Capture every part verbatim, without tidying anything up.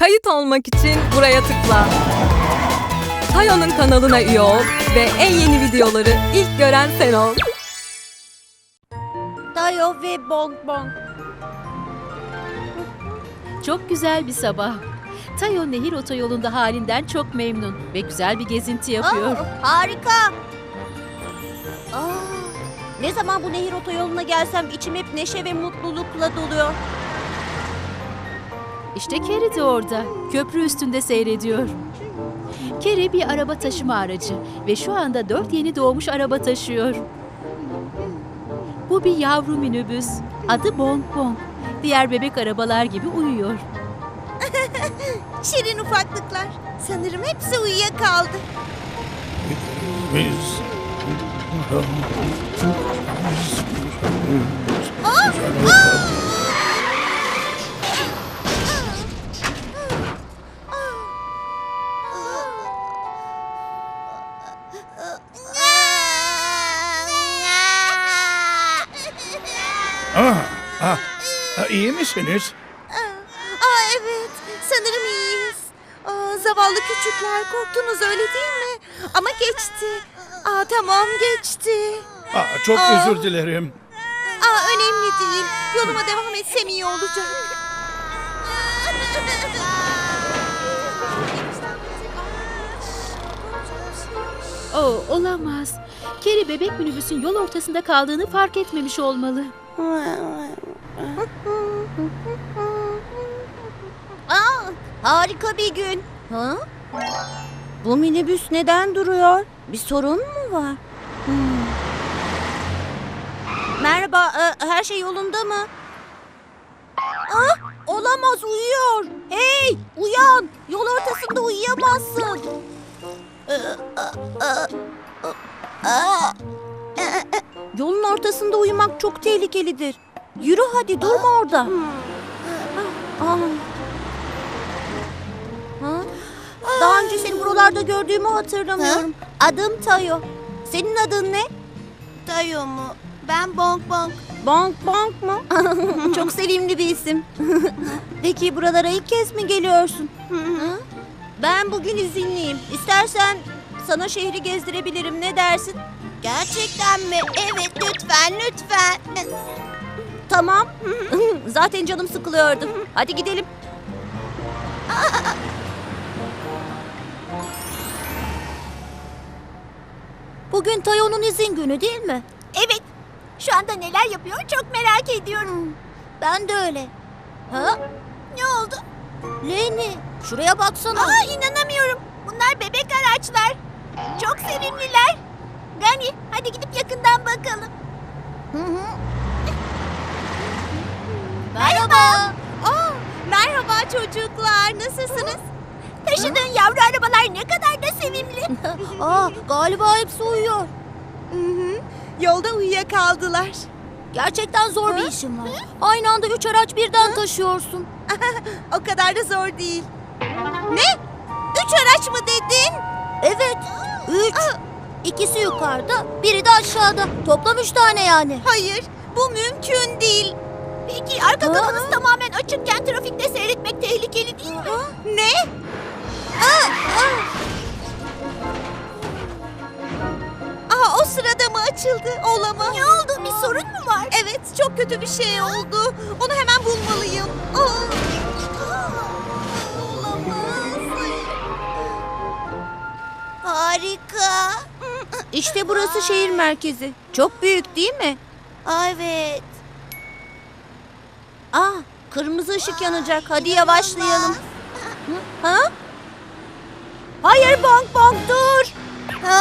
Kayıt olmak için buraya tıkla. Tayo'nun kanalına üye ol ve en yeni videoları ilk gören sen ol. Tayo ve Bong Bong. Çok güzel bir sabah. Tayo nehir otoyolunda halinden çok memnun ve güzel bir gezinti yapıyor. Aa, harika. Aa, ne zaman bu nehir otoyoluna gelsem içim hep neşe ve mutlulukla doluyor. İşte Carrie de orada. Köprü üstünde seyrediyor. Carrie bir araba taşıma aracı ve şu anda dört yeni doğmuş araba taşıyor. Bu bir yavru minibüs. Adı Bong Bong. Diğer bebek arabalar gibi uyuyor. Şirin ufaklıklar. Sanırım hepsi uyuyakaldı. Biz... Ah, ah, ah, iyi misiniz? Aa evet, sanırım iyiyiz. Aa, zavallı küçükler, korktunuz öyle değil mi? Ama geçti. Aa tamam geçti. Ah, çok Aa. özür dilerim. Aa önemli değil. Yoluma devam etsem iyi olacak. Oh, olamaz. Carrie bebek minibüsün yol ortasında kaldığını fark etmemiş olmalı. Aa, harika bir gün. Ha? Bu minibüs neden duruyor? Bir sorun mu var? Hmm. Merhaba, e, her şey yolunda mı? Ah, olamaz, uyuyor. Hey, uyan. Yol ortasında uyuyamazsın. Yolun ortasında uyumak çok tehlikelidir. Yürü hadi, durma orada. Aa. Ha? Daha önce seni buralarda gördüğümü hatırlamıyorum. Adım Tayo. Senin adın ne? Tayo mu? Ben Bong Bong. Bong Bong mu? Çok sevimli bir isim. Peki buralara ilk kez mi geliyorsun? Hı? Ben bugün izinliyim. İstersen sana şehri gezdirebilirim. Ne dersin? Gerçekten mi? Evet, lütfen, lütfen. Tamam. Zaten canım sıkılıyordu. Hadi gidelim. Bugün Tayo'nun izin günü değil mi? Evet. Şu anda neler yapıyor çok merak ediyorum. Ben de öyle. Ha? Ne oldu? Leni, şuraya baksana. Aa, inanamıyorum. Bunlar bebek araçlar. Çok sevimliler. Gani, hadi gidip yakından bakalım. Hı hı. Merhaba. Aa, merhaba çocuklar. Nasılsınız? Taşıdığın yavru arabalar ne kadar da sevimli. Aa, galiba hepsi uyuyor. Hı hı. Yolda uyuyakaldılar. Gerçekten zor bir işin var. Aynı anda üç araç birden taşıyorsun. O kadar da zor değil. Ne? Üç araç mı dedin? Evet. Üç. İkisi yukarıda, biri de aşağıda. Toplam üç tane yani. Hayır, bu mümkün değil. Peki arka kafanız tamamen açıkken trafikte seyretmek tehlikeli değil mi? Ne? Aa, aa. Aa, o sırada mı açıldı? Olamaz. Ne oldu? Bir sorun mu var? Evet, çok kötü bir şey oldu. Onu hemen bulmalıyım. Aa. Olamaz. Harika. İşte burası şehir merkezi. Çok büyük değil mi? Evet. Aa, kırmızı ışık yanacak. Hadi yavaşlayalım. Hı? Ha? Hayır Bong Bong dur. Ha?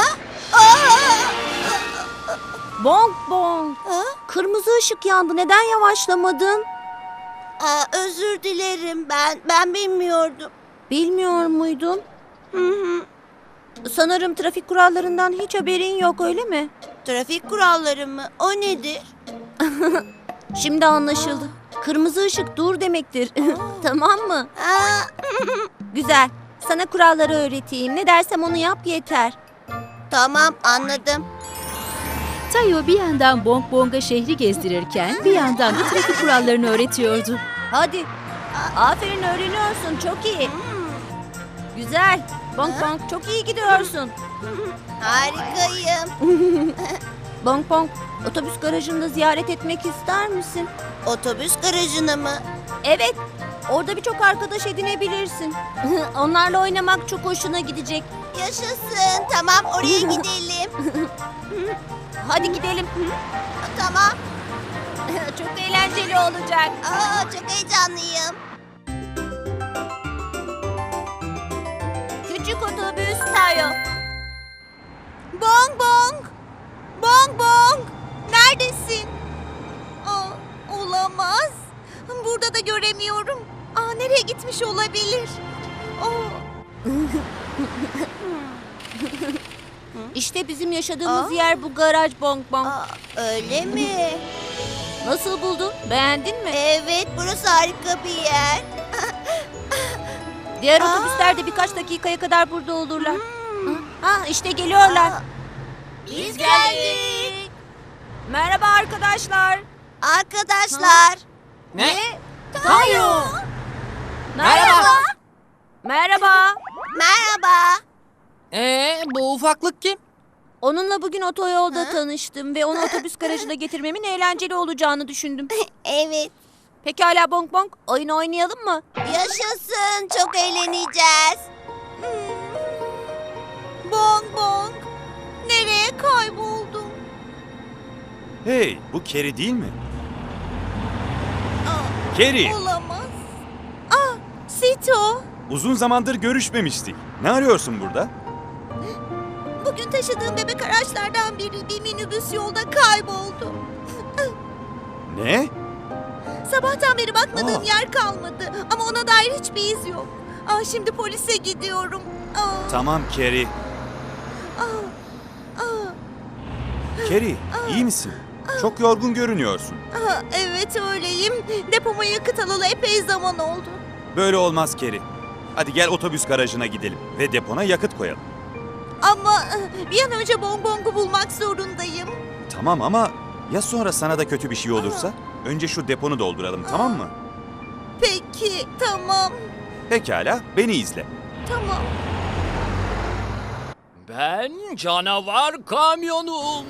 Bong Bong. Ha? Kırmızı ışık yandı. Neden yavaşlamadın? Aa, özür dilerim. Ben ben bilmiyordum. Bilmiyor muydun? Hı hı. Sanırım trafik kurallarından hiç haberin yok, öyle mi? Trafik kuralları mı? O nedir? Şimdi anlaşıldı. Kırmızı ışık dur demektir. Tamam mı? Güzel. Sana kuralları öğreteyim. Ne dersem onu yap yeter. Tamam, anladım. Tayo bir yandan Bong Bong'a şehri gezdirirken bir yandan da trafik kurallarını öğretiyordu. Hadi. Aferin, öğreniyorsun. Çok iyi. Güzel. Bonk bonk, çok iyi gidiyorsun. Harikayım. Bonk bonk, otobüs garajında ziyaret etmek ister misin? Otobüs garajını mı? Evet. Orada birçok arkadaş edinebilirsin. Onlarla oynamak çok hoşuna gidecek. Yaşasın. Tamam, oraya gidelim. Hadi gidelim. Tamam. Çok eğlenceli olacak. Aa, çok heyecanlıyım. Küçük otobüs Tayo. Bong bong. Bong bong. Neredesin? Aa, olamaz. Burada da göremiyorum. Aa, nereye gitmiş olabilir? Aa. İşte bizim yaşadığımız Aa. yer bu garaj Bong Bong. Aa, öyle mi? Nasıl buldun? Beğendin mi? Evet, burası harika bir yer. Diğer Aa. otobüsler de birkaç dakikaya kadar burada olurlar. Ha, işte geliyorlar. Aa, biz geldik. Merhaba arkadaşlar. Arkadaşlar. Ne? Tayo. Merhaba. Merhaba. Merhaba. Ee, bu ufaklık kim? Onunla bugün otoyolda Ha? tanıştım ve onu otobüs garajına getirmemin eğlenceli olacağını düşündüm. Evet. Pekala Bong Bong, oyun oynayalım mı? Yaşasın. Çok eğleneceğiz. Bong Bong, nereye kayboldun? Hey, bu Keri değil mi? Keri, Olamaz. Ah, Sito. uzun zamandır görüşmemiştik. Ne arıyorsun burada? Bugün taşıdığım bebek araçlardan biri bir minibüs yolda kayboldu. Ne? Sabahtan beri bakmadığım Aa. yer kalmadı ama ona dair hiçbir iz yok. Ah, şimdi polise gidiyorum. Ah, Tamam Keri. ah, ah, Keri, iyi misin? Çok yorgun görünüyorsun. ah, evet öyleyim. Depoma yakıt alalı epey zaman oldu. Böyle olmaz Keri. Hadi gel otobüs garajına gidelim ve depona yakıt koyalım. Ama ah, bir an önce Bong Bong'u bulmak zorundayım. Tamam ama ya sonra sana da kötü bir şey olursa? Önce şu deponu dolduralım, tamam mı? Peki, tamam, Pekala, beni izle. tamam. Ben canavar kamyonum.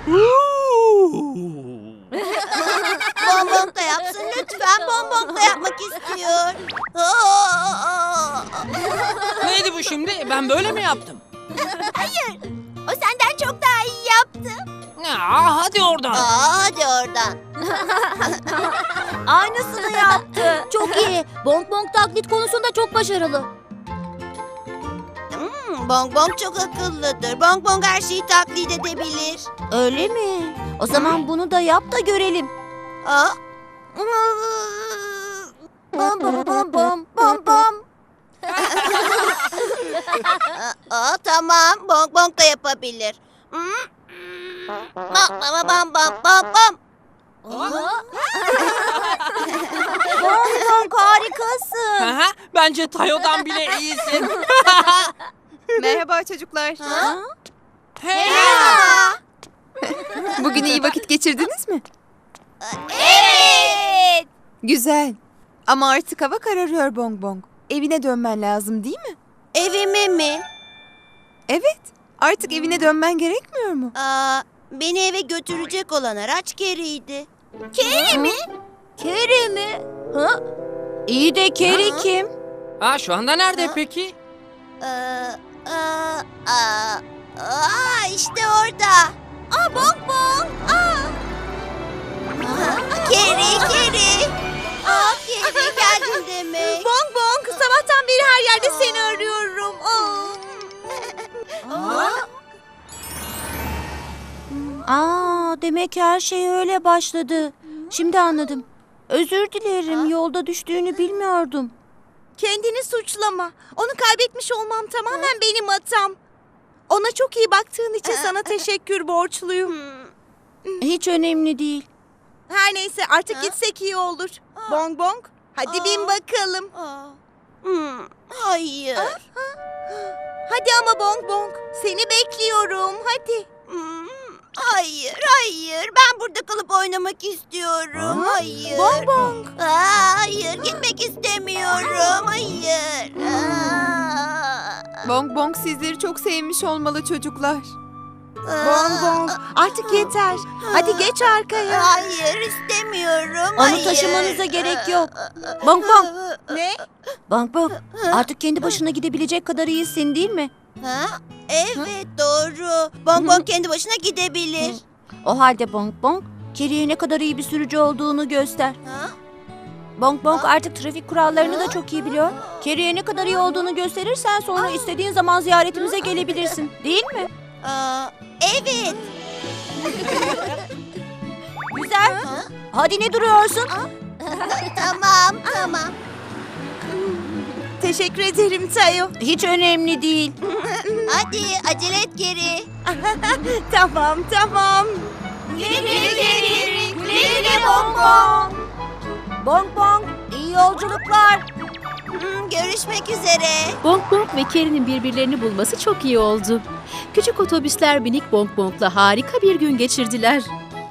Bonbon da yapsın lütfen. Bonbon da yapmak istiyor. Aa! Neydi bu şimdi? Ben böyle mi yaptım? O senden çok daha iyi yaptı. Aa, hadi oradan. Aa, hadi oradan. Aynısını yaptı. Çok iyi. Bong Bong taklit konusunda çok başarılı. Hmm, Bonbon çok akıllıdır. Bonbon her şeyi taklit edebilir. Öyle mi? O zaman bunu da yap da görelim. Aa. Bom bom bom bom bom bom. Aa, tamam. Bonbon da yapabilir. Hmm. Bam bam bam bam bam bam. Bong Bong harikasın. Aha, bence Tayo'dan bile iyisin. Merhaba çocuklar. Ha? Hey. Aa, Bugün iyi vakit geçirdiniz mi? evet. Güzel. Ama artık hava kararıyor Bong Bong. Evine dönmen lazım değil mi? Evime mi? Evet. Artık evine dönmen gerekmiyor mu? Aa, beni eve götürecek olan araç Keri'ydi. Keri mi? Keri mi? Ha? İyi de Keri Ha? kim? Aa, şu anda nerede Ha? peki? Aa, aa, aa, aa, işte orada. Aa Bong Bong. Aa. Keri, Keri. Aa, Keri geldin demek. Bong Bong, sabahtan beri her yerde seni arıyorum. Aa. Aa, demek her şey öyle başladı. Şimdi anladım. Özür dilerim, yolda düştüğünü bilmiyordum. Kendini suçlama. Onu kaybetmiş olmam tamamen benim hatam. Ona çok iyi baktığın için sana teşekkür borçluyum. Hiç önemli değil. Her neyse artık gitsek iyi olur. Bong Bong, hadi bin bakalım. Aa, hmm, hayır. Hadi ama Bong Bong, seni bekliyorum. Hadi. Hmm, Hayır, hayır. Ben burada kalıp oynamak istiyorum. Hayır. Bong bong. Aa, hayır, gitmek istemiyorum. Hayır. Aa. Bong Bong sizleri çok sevmiş olmalı çocuklar. Aa. Bong bong. Artık yeter. Hadi geç arkaya. Hayır, istemiyorum. Onu Hayır. taşımanıza gerek yok. Bong bong. Ne? Bong bong. Artık kendi başına gidebilecek kadar iyisin değil mi? Ha? Evet, doğru. Bong Bong kendi başına gidebilir. O halde Bong Bong, Carrie'ye ne kadar iyi bir sürücü olduğunu göster. Ha? Bong Bong artık trafik kurallarını da çok iyi biliyor. Carrie'ye ne kadar iyi olduğunu gösterirsen sonra istediğin zaman ziyaretimize gelebilirsin. Değil mi? Aa, evet. Güzel. Hadi ne duruyorsun? Tamam, tamam. Teşekkür ederim Tayo. Hiç önemli değil. Hadi acele et geri. Tamam, tamam. Geri geri geri. Geri geri Bong Bong. Bong Bong, iyi yolculuklar. Hmm, görüşmek üzere. Bong Bong ve Carrie'nin birbirlerini bulması çok iyi oldu. Küçük otobüsler binip Bong Bong'la harika bir gün geçirdiler.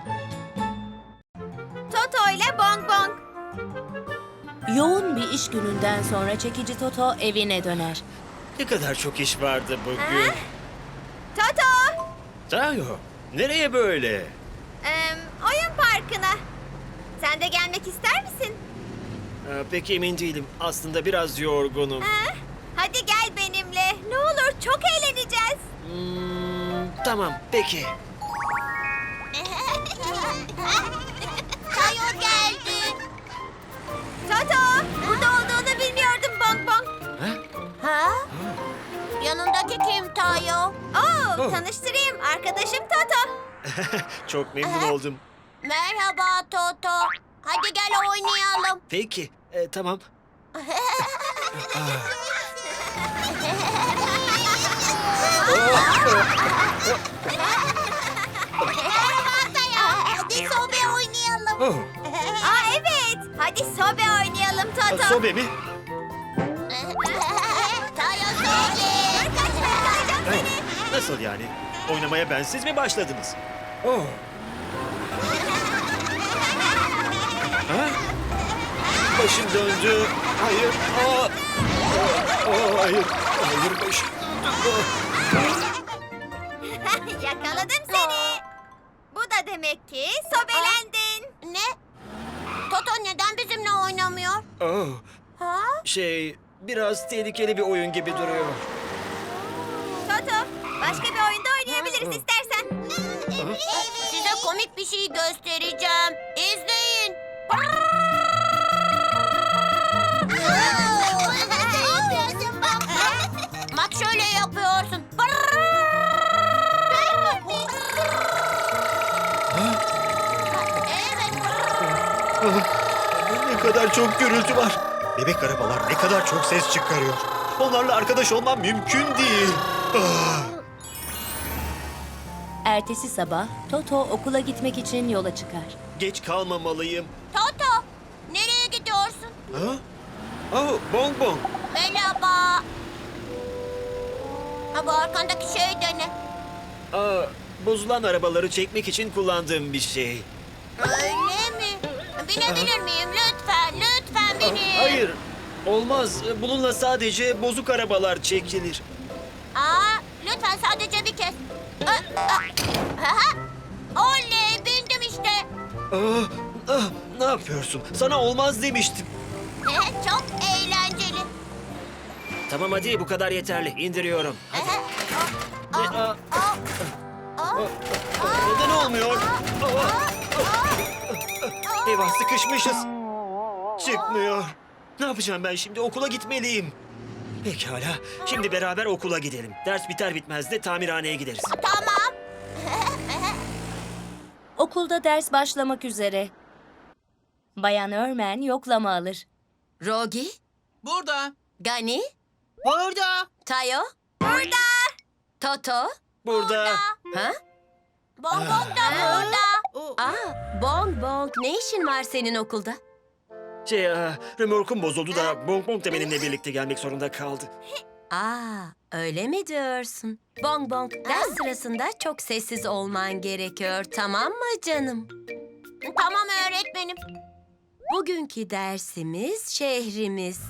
Toto ile Bong Bong. Yoğun bir iş gününden sonra çekici Toto evine döner. Ne kadar çok iş vardı bugün. Toto, Tayo, nereye böyle? em, oyun parkına. Sen de gelmek ister misin? Ee, pek emin değilim. Aslında biraz yorgunum. Hadi gel benimle. Ne olur çok eğleneceğiz. Hmm, tamam, peki. Tayo geldi. Toto, burada olduğunu bilmiyordum Bong Bong. Ha? Yanındaki kim Tayo? Oo, Oh. tanıştırayım. Arkadaşım Toto. Çok memnun oldum. Merhaba Toto. Hadi gel oynayalım. Peki, e, tamam. Merhaba Tayo. Hadi sobe oynayalım. Oh, Aa evet. Hadi sobe oynayalım Toto. sobe mi? Tayo sobe. Evet. Nasıl yani? Oynamaya bensiz mi başladınız? Oh. Ha? Başım döndü. Hayır. Aa. Aa, hayır. Hayır başım döndü. Yakaladım seni. Bu da demek ki sobelendin. Ne? Toto neden bizimle oynamıyor? Oh. Ha? Şey, biraz tehlikeli bir oyun gibi duruyor. Toto, başka bir oyunda oynayabiliriz istersen. Size komik bir şey göstereceğim. İzleyin. Bak şöyle yapıyorsun. Evet. Ne kadar çok gürültü var. Bebek arabalar ne kadar çok ses çıkarıyor. Onlarla arkadaş olmam mümkün değil. Ah. Ertesi sabah Toto okula gitmek için yola çıkar. Geç kalmamalıyım. Toto, nereye gidiyorsun? Ha? Oh, bong bong. Merhaba. Ha, bu arkandaki şey de ne? Aa, bozulan arabaları çekmek için kullandığım bir şey. Öyle mi? Binebilir miyim? Lütfen, lütfen Ah, binin. hayır, olmaz. Bununla sadece bozuk arabalar çekilir. Aa, lütfen sadece bir kez. Aa, aa. Aha. Oley, bindim işte. Ah, ah, ne yapıyorsun? Sana olmaz demiştim. Çok eğlenceli. Tamam hadi bu kadar yeterli. İndiriyorum. Hadi. Aa, E, aa, aa, aa. neden olmuyor? Aa, eyvah sıkışmışız. Çıkmıyor. Ne yapacağım ben şimdi? Okula gitmeliyim. Pekala. Şimdi beraber okula gidelim. Ders biter bitmez de tamirhaneye gideriz. Tamam. Okulda ders başlamak üzere. Bayan Örmen yoklama alır. Rogi? Burada. Gani, Burada. Tayo, Burada. Toto. Burada. Ha? Bong bong da burada. Aa, Bong Bong, ne işin var senin okulda? Şey, aa, römorkum bozuldu da Bong Bong da benimle birlikte gelmek zorunda kaldı. Aa, öyle mi diyorsun? Bong Bong, ders sırasında çok sessiz olman gerekiyor, tamam mı canım? Tamam öğretmenim. Bugünkü dersimiz şehrimiz.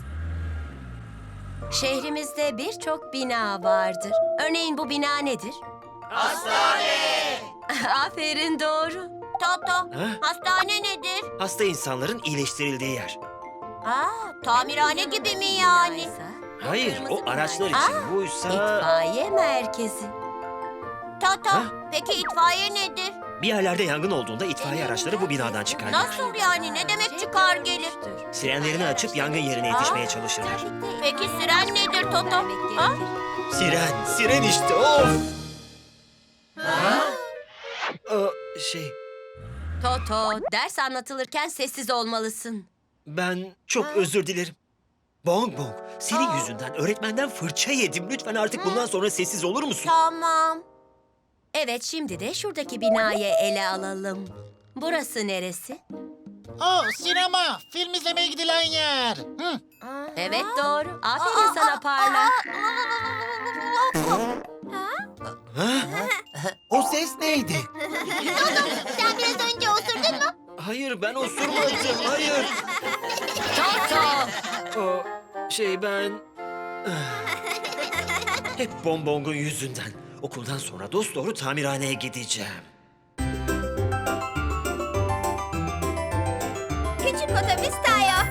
Şehrimizde birçok bina vardır. Örneğin bu bina nedir? Hastane! Aferin, doğru. Toto, Ha? hastane nedir? Hasta insanların iyileştirildiği yer. Aa, tamirhane gibi mi yani? Hayır, Kırmızı o araçlar bina. için. Aa, Buysa... İtfaiye merkezi. Toto, Ha? peki itfaiye nedir? Bir yerlerde yangın olduğunda itfaiye araçları bu binadan çıkarlar. Nasıl yani? Ne demek çıkar gelir? Sirenlerini açıp yangın yerine yetişmeye çalışırlar. Peki siren nedir Toto? Ha? Siren, siren işte, of! Aa, şey, Toto, ders anlatılırken sessiz olmalısın. ben çok özür dilerim. Bong Bong, senin yüzünden öğretmenden fırça yedim. Lütfen artık bundan sonra sessiz olur musun? Tamam. Evet, şimdi de şuradaki binayı ele alalım. Burası neresi? Oh, sinema. Film izlemeye gidilen yer. Hı. Evet, doğru. Aferin sana Parla. O ses neydi? Sen biraz önce osurdun mu? Hayır, ben osurmadım, hayır. Toto! O, şey ben... Hep Bong Bong'un yüzünden. Okuldan sonra dosdoğru tamirhaneye gideceğim. Küçük otobüs Tayo.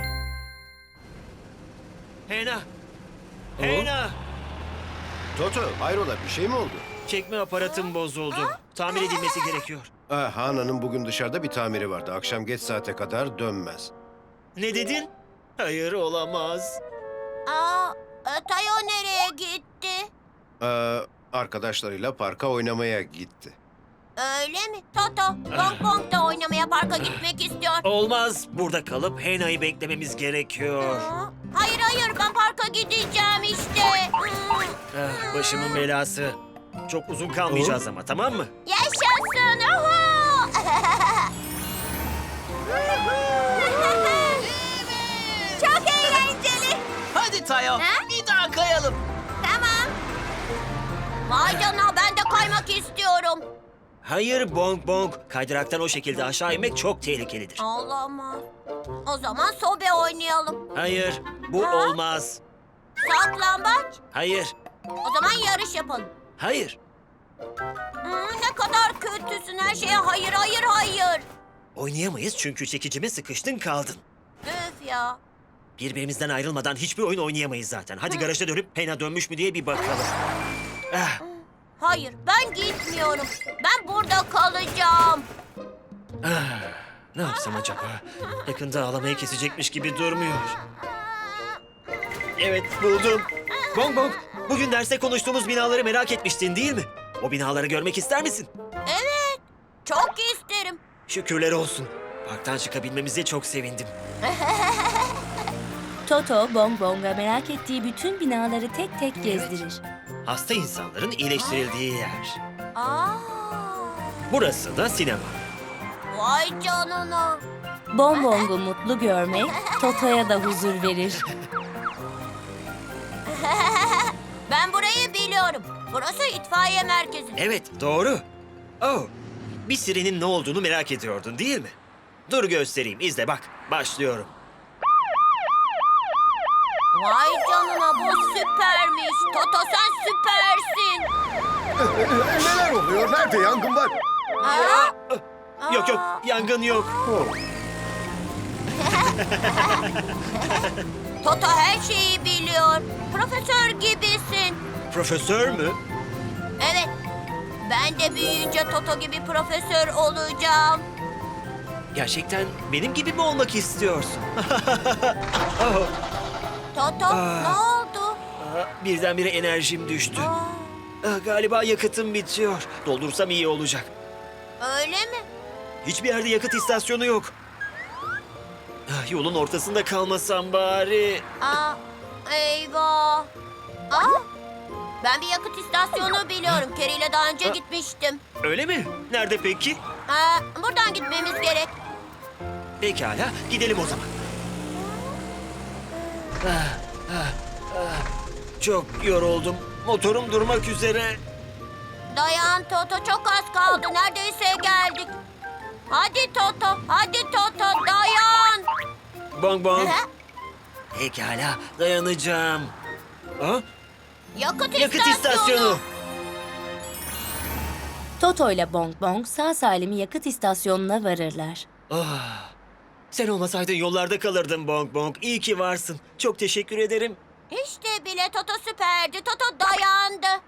Hena! Hena! Toto, hayrola bir şey mi oldu? Çekme aparatım bozuldu. Tamir edilmesi gerekiyor. Ah, Hana'nın bugün dışarıda bir tamiri vardı. Akşam geç saate kadar dönmez. Ne dedin? Hayır, olamaz. Aa, Tayo nereye gitti? Ee, arkadaşlarıyla parka oynamaya gitti. Öyle mi? Toto, Bong Bong da oynamaya parka gitmek istiyor. Olmaz. Burada kalıp Hena'yı beklememiz gerekiyor. Aa, Hayır hayır, ben parka gideceğim işte. Hmm. Ah, başımın belası. Çok uzun kalmayacağız ama, tamam mı? Yaşasın! Uhu! Çok eğlenceli. Hadi Tayo. Bir daha kayalım. Tamam. Vay canına, ben de kaymak istiyorum. Hayır Bong Bong. Kaydıraktan o şekilde aşağı inmek çok tehlikelidir. Olamaz. O zaman sobe oynayalım. Hayır, bu Ha? olmaz. Saklambaç. Hayır, O zaman yarış yapalım. hayır. Hmm, ne kadar kötüsün, her şeye hayır hayır hayır. Oynayamayız çünkü çekicime sıkıştın kaldın. Öf ya. Birbirimizden ayrılmadan hiçbir oyun oynayamayız zaten. Hadi garaja dönüp Hena dönmüş mü diye bir bakalım. Ah, Hayır, ben gitmiyorum. Ben burada kalacağım. ah. Ne yapsam acaba? Yakında ağlamayı kesecekmiş gibi durmuyor. Evet, buldum. Bong Bong, bugün derste konuştuğumuz binaları merak etmiştin değil mi? O binaları görmek ister misin? Evet, çok isterim. Şükürler olsun. Parktan çıkabilmemize çok sevindim. Toto, Bong Bong'a merak ettiği bütün binaları tek tek gezdirir. Hasta insanların iyileştirildiği yer. Aa, Burası da sinema. vay canına. Bong Bong'u mutlu görmek Toto'ya da huzur verir. Ben burayı biliyorum. Burası itfaiye merkezi. Evet, doğru. Oh, bir sirenin ne olduğunu merak ediyordun değil mi? Dur göstereyim, izle bak. Başlıyorum. Vay canına, bu süpermiş. Toto, sen süpersin. Neler oluyor? Nerede yangın var? Aa, Yok yok, yangın yok. Toto her şeyi biliyor. Profesör gibisin. Profesör mü? Evet. Ben de büyüyünce Toto gibi profesör olacağım. Gerçekten benim gibi mi olmak istiyorsun? Oh, Toto, Aa. ne oldu? ah, birdenbire enerjim düştü. Aa, Ah, galiba yakıtım bitiyor. Doldursam iyi olacak. öyle mi? Hiçbir yerde yakıt istasyonu yok. Ah, yolun ortasında kalmasam bari. Aa, eyvah. Aa, ben bir yakıt istasyonu biliyorum. Kerry ile daha önce gitmiştim. Öyle mi? Nerede peki? Aa, buradan gitmemiz gerek. Pekala, gidelim o zaman. Ah, ah, ah. Çok yoruldum. Motorum durmak üzere. Dayan Toto, çok az kaldı. Neredeyse geldik. Hadi Toto, hadi Toto, dayan. Bong bong. Hı? Pekala, dayanacağım. Ha? Yakıt, Yakıt istasyonu. Toto ile Bong Bong sağ salim yakıt istasyonuna varırlar. Ah, sen olmasaydın yollarda kalırdım Bong Bong. İyi ki varsın. Çok teşekkür ederim. İşte bile Toto süperdi. Toto dayandı.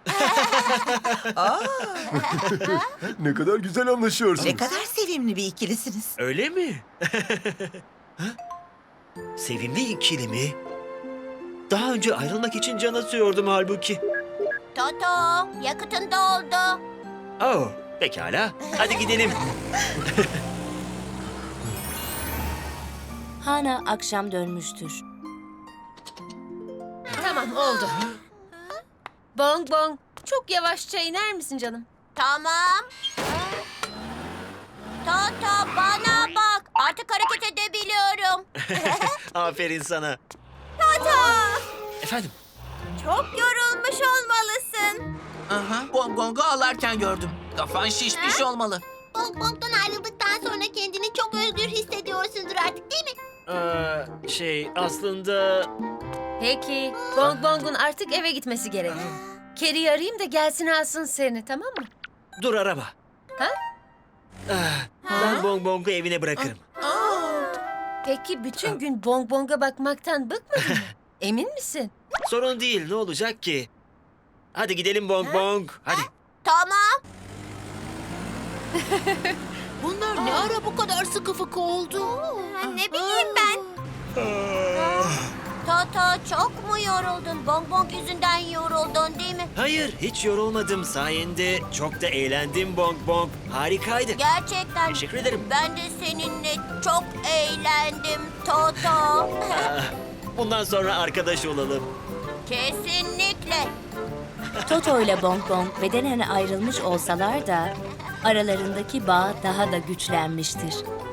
Ne kadar güzel anlaşıyorsunuz. kadar sevimli bir ikilisiniz. Öyle mi? Ha? Sevimli ikili mi? Daha önce ayrılmak için can atıyordum halbuki. Toto, yakıtın doldu. Oh, pekala. Hadi gidelim. Hana akşam dönmüştür. Tamam oldu. Bong Bong, çok yavaşça iner misin canım? Tamam. Toto, bana bak. Artık hareket edebiliyorum. Aferin sana. Toto, Efendim? çok yorulmuş olmalısın. Aha, Bong Bong'u ağlarken gördüm. Kafan şişmiş olmalı. Bong Bong'dan ayrıldıktan sonra kendini çok özgür hissediyorsundur artık, değil mi? Ee, şey aslında... Peki, Bong Bong'un artık eve gitmesi gerek. Carrie'yi arayayım da gelsin alsın seni, tamam mı? Dur araba. Ha? Ah, ben Bong Bong'u evine bırakırım. Peki bütün gün Bong Bong'a bakmaktan bıkmadın mı? Emin misin? Sorun değil, ne olacak ki? Hadi gidelim Bong Bong. Hadi. Tamam. Bunlar ne ara bu kadar sıkı fıkı oldu? Ne bileyim ben. Toto, çok mu yoruldun? Bong Bong yüzünden yoruldun, değil mi? Hayır, hiç yorulmadım sayende. Çok da eğlendim Bong Bong. Harikaydı. Gerçekten. Teşekkür ederim. Ben de seninle çok eğlendim Toto. Ah, bundan sonra arkadaş olalım. Kesinlikle. Toto ile Bong Bong bedenen ayrılmış olsalar da aralarındaki bağ daha da güçlenmiştir.